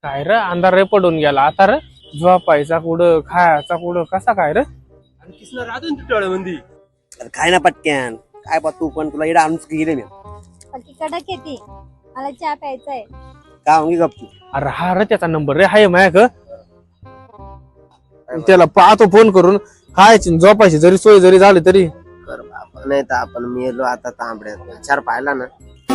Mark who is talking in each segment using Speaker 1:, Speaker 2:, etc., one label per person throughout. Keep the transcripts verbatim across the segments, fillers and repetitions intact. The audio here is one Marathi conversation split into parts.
Speaker 1: काय रे अंधार रे पडून गेला आता रे झोपायचा कुठं खायचा कुठं कसा काय रे
Speaker 2: आणि किसना राहतो ना तुझ्या मंदी
Speaker 3: अरे काय ना पटक्यान काय बा तू पण तुला इकडे आणूच गेले मी
Speaker 4: बाकी कडक येते मला चहा प्यायचा आहे
Speaker 3: का होंगी गप्पू
Speaker 1: अरे हा रे त्याचा नंबर रे हाय माया त्याला पाहतो फोन करून खायची झोपायची जरी सोय जरी झाली तरी
Speaker 2: कर बाबा नाही तर आपण मेलो आता तांबड्यात चार पाहिला ना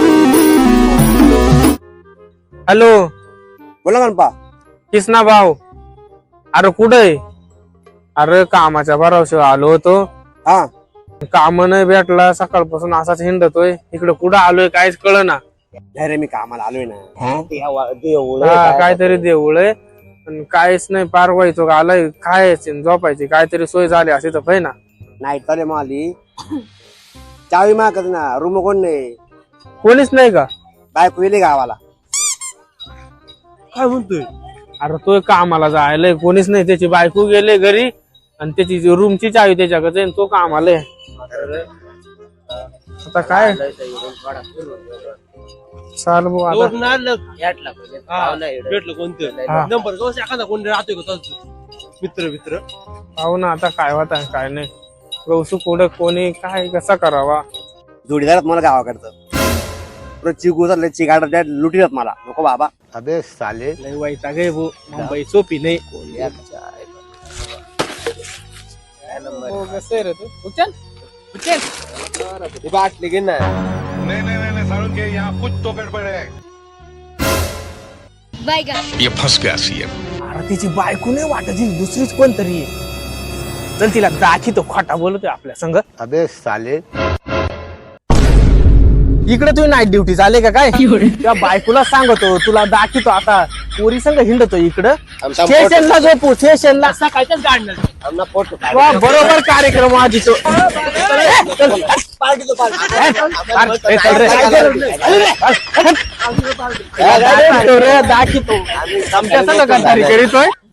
Speaker 1: हॅलो
Speaker 3: बोला गणपा
Speaker 1: किसना भाऊ अरे कुठे अरे कामाच्या भरावशा आलो होतो
Speaker 3: हा
Speaker 1: काम नाही भेटला सकाळपासून असाच हिंडतोय इकडे कुठं आलोय काहीच कळ ना
Speaker 3: नाही रे मी कामाला आलोय ना
Speaker 1: काहीतरी देऊळ आहे पण काहीच नाही पार व्हायचो आलाय खायची आणि झोपायची काहीतरी सोय झाली असे तर पाहिजे ना
Speaker 3: नाही तर माली चावी मागत ना रूम कोण नाही
Speaker 1: कोणीच नाही का
Speaker 3: बायको गेली गावाला
Speaker 2: काय म्हणतोय
Speaker 1: अरे तो कामाला जायलाय कोणीच नाही त्याची बायको गेले घरी आणि त्याची रूमची चावी त्याच्याकडे आणि तो कामाला आहे. आता काय चाल भाऊ आता
Speaker 2: भेटलं कोणतं
Speaker 1: हा.
Speaker 2: नंबर कसं एखादा कोण राहतोय का तसं? मित्र मित्र
Speaker 1: पाहू ना आता काय होत आहे काय नाही गौसू कुठं कोणी काय कसा करावा
Speaker 3: जोडीदारात मला गावाकडचं चिकू चिकाट लुटीत मला नको बाबा
Speaker 5: अबे साले
Speaker 1: लय वैताग आहे भाऊ मुंबई सोपी नाही हो, कसं आहे रे तू उचल उचल
Speaker 2: बाटली घे ना
Speaker 6: नहीं नहीं नहीं नहीं सारुण के यहाँ कुछ तो गड़बड़ है ये फंस गया सीएम
Speaker 1: अरे तिची बायको नाही वाटायची दुसरीच कोणतरी आहे. चल तिला दाखी तो खोटा बोलतोय आपल्या संग
Speaker 5: अबे साले
Speaker 1: इकडे तुम्ही नाईट ड्युटी झाले का काय त्या बायकोला सांगतो तुला दाखवतो आता पोरी संग हिंडतो इकडं स्टेशनला झोपू स्टेशनला
Speaker 2: सकाळच्याच गाडणार आमना फोटो
Speaker 1: वा, बरोबर कार्यक्रम आधी तो दाखवतो आमच्या संग गद्दारी करीतोय